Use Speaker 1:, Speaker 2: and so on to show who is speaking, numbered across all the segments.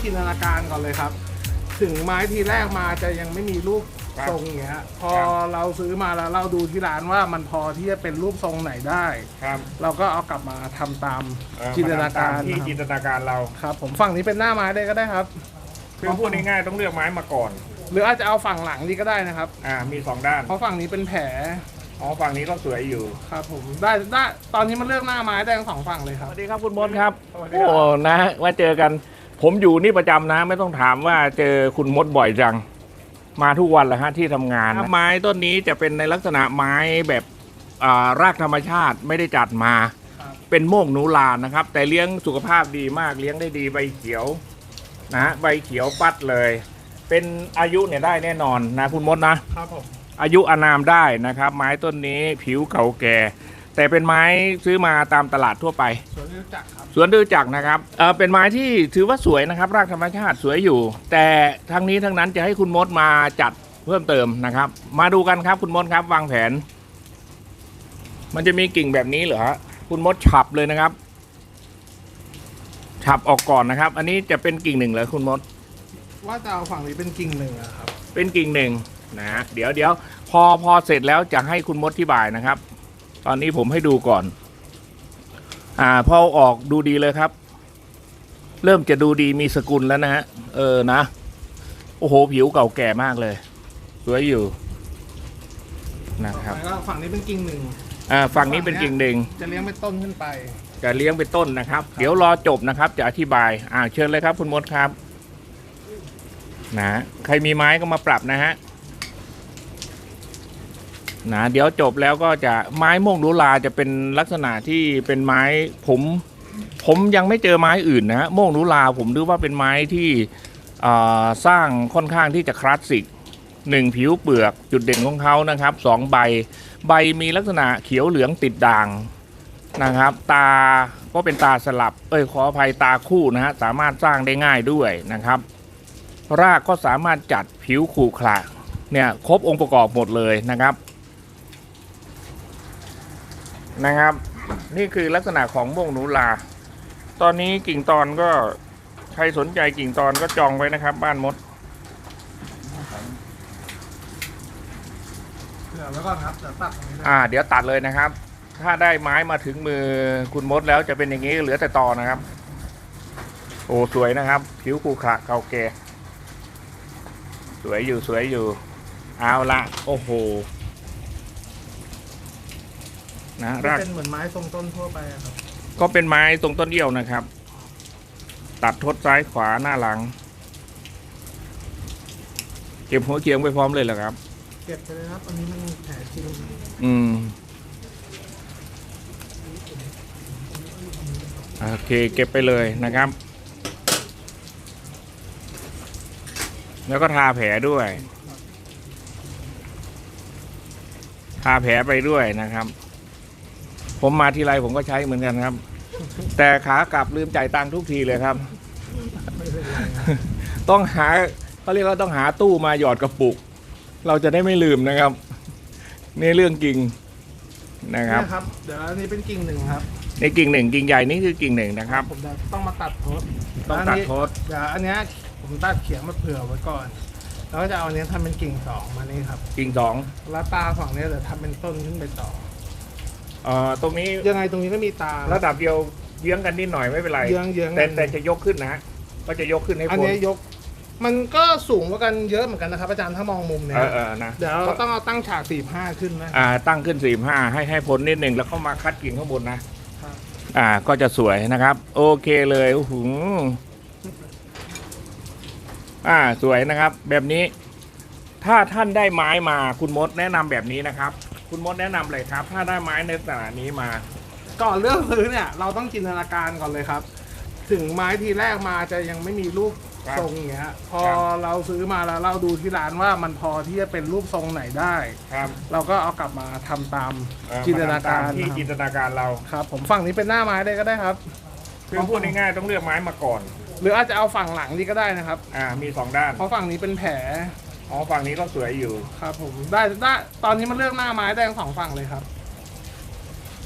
Speaker 1: จินตนาการก่อนเลยครับ ถึงไม้ทีแรกมาจะยังไม่มีรูปทรงอย่างเงี้ยพอเราซื้อมาแล้วเราดูที่ร้านว่ามันพอที่จะเป็นรูปทรงไหนได้
Speaker 2: ครับ
Speaker 1: เราก็เอากลับมาทำตามจินตนาการ
Speaker 2: ที่จินตนาการเรา
Speaker 1: ครับผมฝั่งนี้เป็นหน้าไม้ได้ก็ได้ครับ
Speaker 2: คือพูดง่ายๆต้องเลือกไม้มาก่อน
Speaker 1: หรืออาจจะเอาฝั่งหลังนี่ก็ได้นะครับ
Speaker 2: มี2ด้าน
Speaker 1: เพราะฝั่งนี้เป็นแผล
Speaker 2: ฝั่งนี้ก็สวยอยู่
Speaker 1: ครับผมได้ตอนนี้มันเลือกหน้าไม้ได้ทั้ง2ฝั่งเลยครับ
Speaker 2: สวัสดีครับคุณมดครับโอ้นะว่าเจอกันผมอยู่นี่ประจำนะไม่ต้องถามว่าเจอคุณมดบ่อยจังมาทุกวันแหละฮะที่ทำงานไม้ต้นนี้จะเป็นในลักษณะไม้แบบรากธรรมชาติไม่ได้จัดมาเป็นโมกหนูลานนะครับแต่เลี้ยงสุขภาพดีมากเลี้ยงได้ดีใบเขียวนะใบเขียวปัดเลยเป็นอายุเนี่ยได้แน่นอนนะคุณมดนะครับ
Speaker 1: ผม
Speaker 2: อายุอานามได้นะครับไม้ต้นนี้ผิวเก่าแก่แต่เป็นไม้ซื้อมาตามตลาดทั่วไป
Speaker 1: สวนฤดูจักรครับ
Speaker 2: สวนฤดูจักรนะครับเป็นไม้ที่ถือว่าสวยนะครับรากธรรมชาติสวยอยู่แต่ทั้งนี้ทั้งนั้นจะให้คุณมดมาจัดเพิ่มเติมนะครับมาดูกันครับคุณมดครับวางแผนมันจะมีกิ่งแบบนี้เหรอคุณมดฉับเลยนะครับฉับออกก่อนนะครับอันนี้จะเป็นกิ่งหนึ่งเหรอคุณมด
Speaker 1: ว่าจะเอาฝั่งนี้เป็นกิ่งหนึ่งครับ
Speaker 2: เป็นกิ่งหนึ่งนะเดี๋ยวพอเสร็จแล้วจะให้คุณมดอธิบายนะครับตอนนี้ผมให้ดูก่อนพอออกดูดีเลยครับเริ่มจะดูดีมีสกุลแล้วนะฮะนะโอ้โหผิวเก่าแก่มากเลยสวยอยู่นะครับ
Speaker 1: แล้วฝั่งนี้เป็นกิ่งหนึ่ง
Speaker 2: ฝั่งนี้เป็นกิ่งหนึ่ง
Speaker 1: จะเลี้ยงเป็นต้นขึ้นไป
Speaker 2: จะเลี้ยงเป็นต้นนะครับเดี๋ยวรอจบนะครับจะอธิบายเชิญเลยครับคุณมดครับนะใครมีไม้ก็มาปรับนะฮะนะเดี๋ยวจบแล้วก็จะไม้ม่วงลุลาจะเป็นลักษณะที่เป็นไม้ผมยังไม่เจอไม้อื่นนะฮะม่วงลุลาผมดูว่าเป็นไม้ที่สร้างค่อนข้างที่จะคลาสสิก1ผิวเปลือกจุดเด่นของเขานะครับ2ใบมีลักษณะเขียวเหลืองติดด่างนะครับตาก็เป็นตาสลับขออภัยตาคู่นะฮะสามารถสร้างได้ง่ายด้วยนะครับรากก็สามารถจัดผิวขรุขระเนี่ยครบองค์ประกอบหมดเลยนะครับนี่คือลักษณะของม่วงหนูลาตอนนี้กิ่งตอนก็ใครสนใจกิ่งตอนก็จองไว้นะครับบ้านมด
Speaker 1: เดี๋ยวแล้วก่อนครับเดี๋ยวตัด
Speaker 2: เดี๋ยวตัดเลยนะครับ ถ้าได้ไม้มาถึงมือคุณมดแล้วจะเป็นอย่างนี้เหลือแต่ตอนะครับโอ้สวยนะครับผิวขรุขระเก่าแก่สวยอยู่เอาละโอ้โหนะราก
Speaker 1: เป็นเหมือนไม้ทรงต้นทั่วไปครับ
Speaker 2: ก็เป็นไม้ทรงต้นเดี่ยวนะครับตัดทดซ้ายขวาหน้าหลังเก็บหัวเคียงไปพร้อมเลยเหรอครับ
Speaker 1: เก็บไปเลยครับอันนี้มันแผลจริง
Speaker 2: โอเคเก็บไปเลยนะครับแล้วก็ทาแผลด้วยทาแผลไปด้วยนะครับผมมาทีไรผมก็ใช้เหมือนกันครับแต่ขากลับลืมจ่ายตังค์ทุกทีเลยครับต้องหาเขาเรียกว่าต้องหาตู้มาหยอดกระปุกเราจะได้ไม่ลืมนะครับนี่เรื่องจริงนะครับ
Speaker 1: เดี๋ยวอันนี้เป็นกิ่งหนึ่งครับ
Speaker 2: ในกิ่งหนึ่งกิ่งใหญ่นี่คือกิ่งหนึ่งนะครับ
Speaker 1: ผมต้องมาตัดโทษ
Speaker 2: ต้องตัดโทษ
Speaker 1: เดี๋ยวอันนี้ผมตัดเขียงมาเผื่อไว้ก่อนแล้วก็จะเอาอันนี้ทำเป็นกิ่ง2มานี่ครับ
Speaker 2: กิ่ง2
Speaker 1: แล้วตาฝั่งนี้เดี๋ยวทำเป็นต้นขึ้นไปต่อ
Speaker 2: ตรงนี้
Speaker 1: ยังไงตรงนี้ก็มีตา
Speaker 2: ระดับเดียวเยื้องกันนิดหน่อยไม่เป็นไร
Speaker 1: เยื้อง
Speaker 2: แต่จะยกขึ้นนะก็จะยกขึ้นให้พ้น
Speaker 1: อันนี้ยกมันก็สูงกว่ากันเยอะเหมือนกันนะครับอาจารย์ถ้ามองมุมเนี่ย
Speaker 2: นะ
Speaker 1: เดี๋ยวต้องเอาตั้งฉาก45ขึ้นนะ
Speaker 2: ตั้งขึ้น45ให้พ้นนิดหนึ่งแล้วเข้ามาคัดกิ่งข้างบนนะก็จะสวยนะครับโอเคเลยโอ้โหสวยนะครับแบบนี้ถ้าท่านได้ไม้มาคุณมดแนะนำแบบนี้นะครับคุณมดแนะนำเลยครับถ้าได้ไม้ในลักษณะนี้มา
Speaker 1: ก่อนเลือกซื้อเนี่ยเราต้องจินตนาการก่อนเลยครับ ถึงไม้ทีแรกมาจะยังไม่มีรูปทรงอย่างเงี้ยพอเราซื้อมาแล้วเราดูที่ร้านว่ามันพอที่จะเป็นรูปทรงไหนได้เราก็เอากลับมาทำตามจินตนาการ
Speaker 2: ที่จินตนาการเรา
Speaker 1: ครับผมฝั่งนี้เป็นหน้าไม้ได้ก็ได้ครับ
Speaker 2: คือพูดง่ายๆต้องเลือกไม้มาก่อน
Speaker 1: หรืออาจจะเอาฝั่งหลังนี่ก็ได้นะครับ
Speaker 2: มี2ด้าน
Speaker 1: เพราะฝั่งนี้เป็นแผล
Speaker 2: ฝั่งนี้ก็สวยอยู่
Speaker 1: ครับผมได้ตอนนี้มันเลือกหน้าไม้ได้ทั้ง2ฝั่งเลยครับ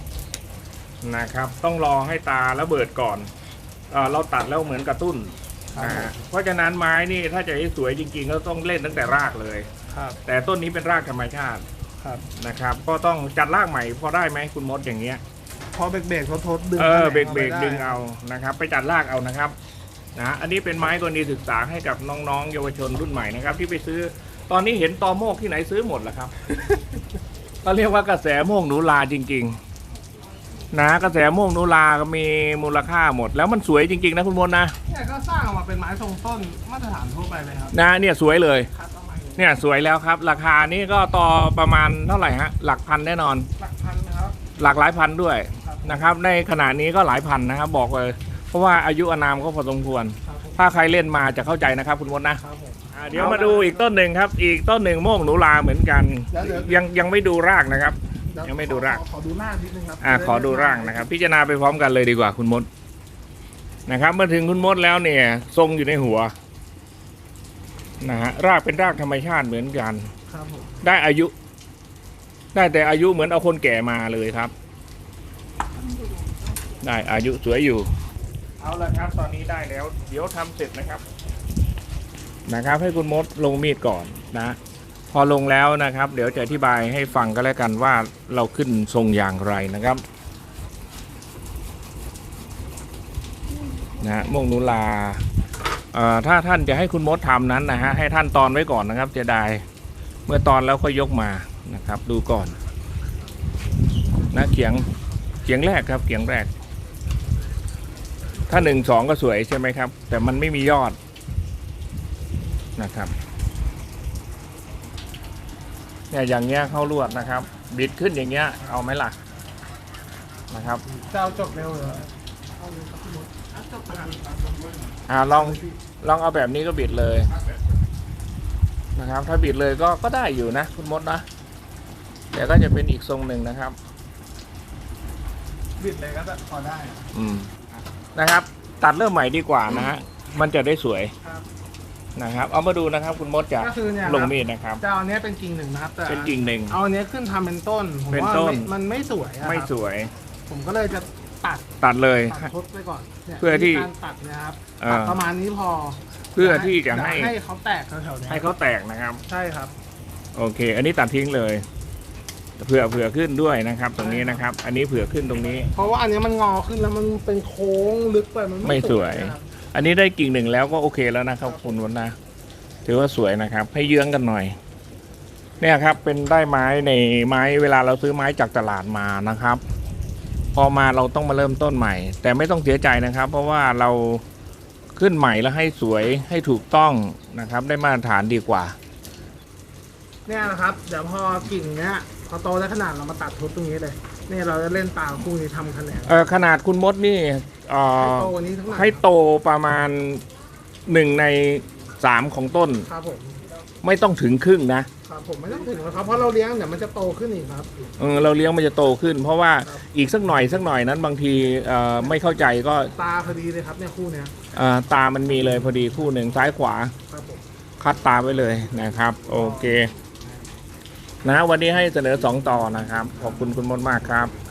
Speaker 2: นะครับต้องรอให้ตาระเบิดก่อนเราตัดแล้วเหมือนกระตุ้น
Speaker 1: ครับ
Speaker 2: เพราะฉะนั้นไม้นี่ถ้าจะให้สวยจริงๆก็ต้องเล่นตั้งแต่รากเลย
Speaker 1: ครับ
Speaker 2: แต่ต้นนี้เป็นรากธรรมชาติ
Speaker 1: ครับ
Speaker 2: นะครับ ก็ต้องจัดรากใหม่พอได้ไหมคุณมดอย่างเงี้ย
Speaker 1: พอเบรกๆทดดึง
Speaker 2: เบรก
Speaker 1: แขนง
Speaker 2: ดึงเอานะครับ ไปจัดรากเอานะครับนะอันนี้เป็นไม้กรณีศึกษาให้กับน้องๆเยาวชนรุ่นใหม่นะครับ ที่ไปซื้อตอนนี้เห็นตอโมกที่ไหนซื้อหมดแล้วครับ ก็เรียกว่ากระแสโมกหนูลาจริงๆนะกระแสโมกหนูลาก็มีมูลค่าหมด แล้วมันสวยจริงๆนะคุณมดนะ
Speaker 1: เนี่ยก็สร้างออกมาเป็นไม้ทรงต้นมาตรฐานทั่วไปเลยครับ
Speaker 2: นะเนี่ยสวยเลย
Speaker 1: คัดออกมาอย่างนี้
Speaker 2: เนี่ยสวยแล้วครับ ราคานี่ก็ต่อประมาณเท่าไหร่ฮะหลักพันแน่นอน
Speaker 1: หลักพันนะครับ
Speaker 2: หลักหลายพันด้วย
Speaker 1: ครับ
Speaker 2: นะครับ ในขณะนี้ก็หลายพันนะครับ บอกเลย เพราะว่าอายุอานามก็พอสมควร
Speaker 1: ครับผม
Speaker 2: ถ้าใครเล่นมาจะเข้าใจนะครับ คุณมดนะ
Speaker 1: ครับผม
Speaker 2: เดี๋ยวมาดูอีกต้นหนึ่งครับ อีกต้นหนึ่งโมกหนูลาเหมือนกัน
Speaker 1: เดี๋ยว
Speaker 2: ยังไม่ดูรากนะครับ
Speaker 1: เดี๋ว
Speaker 2: ยังไม่ดูราก
Speaker 1: ขอดูรากนิดนึงครับ
Speaker 2: ขอดูร่างนะครับ พิจารณาไปพร้อมกันเลยดีกว่าคุณมดนะครับเมื่อถึงคุณมดแล้วเนี่ย ทรงอยู่ในหัวนะฮะรากเป็นรากธรรมชาติเหมือนกัน
Speaker 1: ครับผม
Speaker 2: ได้อายุ ได้แต่อายุเหมือนเอาคนแก่มาเลยครับ ได้อายุสวยอยู่ เอาละครับ ตอนนี้ได้แล้ว เดี๋ยวทำเสร็จนะครับให้คุณมดลงมีดก่อนนะ พอลงแล้วนะครับ เดี๋ยวจะอธิบายให้ฟังก็แล้วกันว่าเราขึ้นทรงอย่างไรนะครับนะโมกหนูลาถ้าท่านจะให้คุณมดทำนั้นนะฮะให้ท่านตอนไว้ก่อนนะครับจะได้เมื่อตอนแล้วค่อยยกมานะครับ ดูก่อนนะเขียงแรกครับเขียงแรก ถ้า1 2ก็สวยใช่ไหมครับ แต่มันไม่มียอดนะครับเนี่ยอย่างเงี้ยเข้าลวดนะครับ บิดขึ้นอย่างเงี้ยเอาไหมล่ะนะครับ
Speaker 1: จะเอาจบเร็วเหรอเอาเลยครับพี่มดเอาจบกัน
Speaker 2: ลองเอาแบบนี้ก็บิดเลยนะครับ ถ้าบิดเลยก็ได้อยู่นะคุณมดนะแต่ก็จะเป็นอีกทรงหนึ่งนะครับ
Speaker 1: บิดเลยก็พอได้
Speaker 2: นะครับ ตัดเริ่มใหม่ดีกว่านะฮะมันจะได้สวย
Speaker 1: ครับ
Speaker 2: นะครับ เอามาดูนะครับ คุณมดจะ
Speaker 1: ก็คือเนี่ย
Speaker 2: ลงมีดนะครับ
Speaker 1: จะเอาอันเนี้ยเป็นกิ่งหนึ่งนะครับแต่
Speaker 2: เป็นกิ่งหนึ่ง
Speaker 1: เอาอันเนี้ยขึ้นทำเป็นต้นผม
Speaker 2: เป็น
Speaker 1: ว่า
Speaker 2: ต้น
Speaker 1: มันไม่สวยอะครับ
Speaker 2: ไม่สวย
Speaker 1: ผมก็เลยจะตัด
Speaker 2: ตัดเลย
Speaker 1: ทดไปก่อนนี่ย
Speaker 2: เพื่อที่
Speaker 1: การตัดนะครับ
Speaker 2: เอ่อ
Speaker 1: ตัดประมาณนี้พอ
Speaker 2: เพื่อที่จะให้
Speaker 1: ให้เขาแตกแถวๆเนี้ย
Speaker 2: ให้เขาแตกนะครับ
Speaker 1: ใช่ครับ
Speaker 2: โอเค อันนี้ตัดทิ้งเลยเผื่อขึ้นด้วยนะครับ ตรงนี้นะครับ อันนี้เผื่อขึ้นตรงนี้
Speaker 1: เพราะว่าอันเนี้ยมันงอขึ้นแล้วมันเป็นโค้งลึกไปมัน
Speaker 2: ไม่สวย
Speaker 1: นะครับ
Speaker 2: อันนี้ได้กิ่งหนึ่งแล้วก็โอเคแล้วนะครับคุณวันนะถือว่าสวยนะครับ ให้เยื้องกันหน่อย เนี่ยครับ เป็นได้ไม้ในไม้เวลาเราซื้อไม้จากตลาดมานะครับ พอมาเราต้องมาเริ่มต้นใหม่ แต่ไม่ต้องเสียใจนะครับ เพราะว่าเราขึ้นใหม่แล้วให้สวยให้ถูกต้องนะครับ ได้มาตรฐานดีกว่า
Speaker 1: เนี่ยนะครับ เดี๋ยวพอกิ่งเนี้ยพอโตได้ขนาดเรามาตัดทุบตรงนี้เลยเนี่ยเราจะเล่นตามคู่นี้ทำคะแนน
Speaker 2: ขนาดคุณมดนี่
Speaker 1: ให้โตกว่านี้ทั้งหลัง
Speaker 2: ให้โตประมาณ1 ใน 3ของต้น
Speaker 1: ครับผม
Speaker 2: ไม่ต้องถึงครึ่งนะ
Speaker 1: ครับผมไม่ต้องถึงแล้วครับเพราะเราเลี้ยงเดี๋ยวมันจะโตขึ้นอีกครับ
Speaker 2: เราเลี้ยงมันจะโตขึ้น เพราะว่า
Speaker 1: ครับ
Speaker 2: อีกสักหน่อยนั้นบางทีไม่เข้าใจก็
Speaker 1: ตาพอดีเลยครับเนี่ยคู่เนี้ย
Speaker 2: ตามันมีเลยพอดีคู่หนึ่งซ้ายขวา
Speaker 1: ครับผม
Speaker 2: คัดตาไว้เลยนะครับ โอเคนะวันนี้ให้เสนอ2 ต่อนะครับ ขอบคุณคุณมดมากครับ